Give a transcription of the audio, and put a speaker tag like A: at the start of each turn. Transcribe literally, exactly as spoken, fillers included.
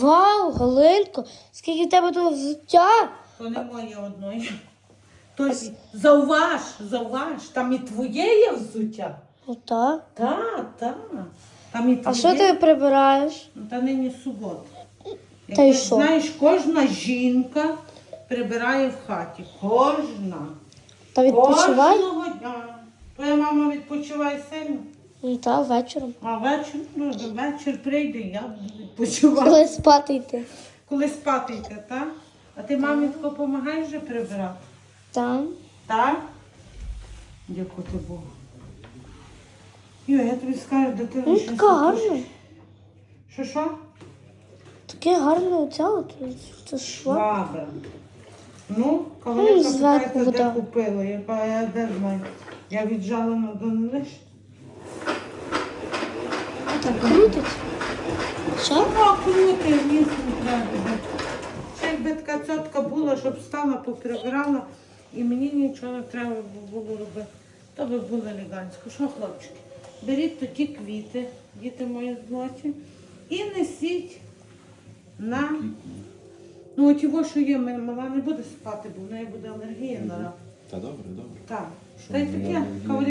A: Вау, Галинко, скільки в тебе тут взуття?
B: То не моє одної. Тось зауваж, зауваж, там і твоє є взуття.
A: Ну так.
B: Так, так. Там і твоє.
A: А що ти прибираєш?
B: Ну, та нині субота.
A: Та й
B: Як
A: що?
B: знаєш, кожна жінка прибирає в хаті. Кожна.
A: Та відпочивай?
B: Кожного дня. Твоя мама відпочиває сильно.
A: Ну так, вечором.
B: А вечір, ну, вечір прийде, я буду відпочивати.
A: Коли спати йти.
B: Коли спати йти, так? А ти мамі тако допомагаєш вже прибирати?
A: Там.
B: Так? Дякувати Богу. Йо, я тобі скажу, дитина.
A: Ну,
B: щось
A: така
B: тут-
A: гарна.
B: Що, що?
A: Таке гарне оця от. Це що?
B: Баба. Ну,
A: Ну,
B: кавалерка
A: зверху
B: питається, де
A: вода.
B: купила. Я кажу, я де знаю. Я віджала на донелиш.
A: Так крутить. Що?
B: О, крути, ніс не треба. Ще якби така цьотка була, щоб стала, поприбирала, і мені нічого не треба було робити. То би було елегантсько. Що, хлопчики? Беріть тоді квіти, діти мої злоті, і несіть на... Ну, от його, що є, мене мала не буде спати, бо в неї буде алергія на рак.
C: Та добре, добре.
B: Так.
C: Що
B: Та й
C: ми
B: таке,
C: можемо
B: кавалерка.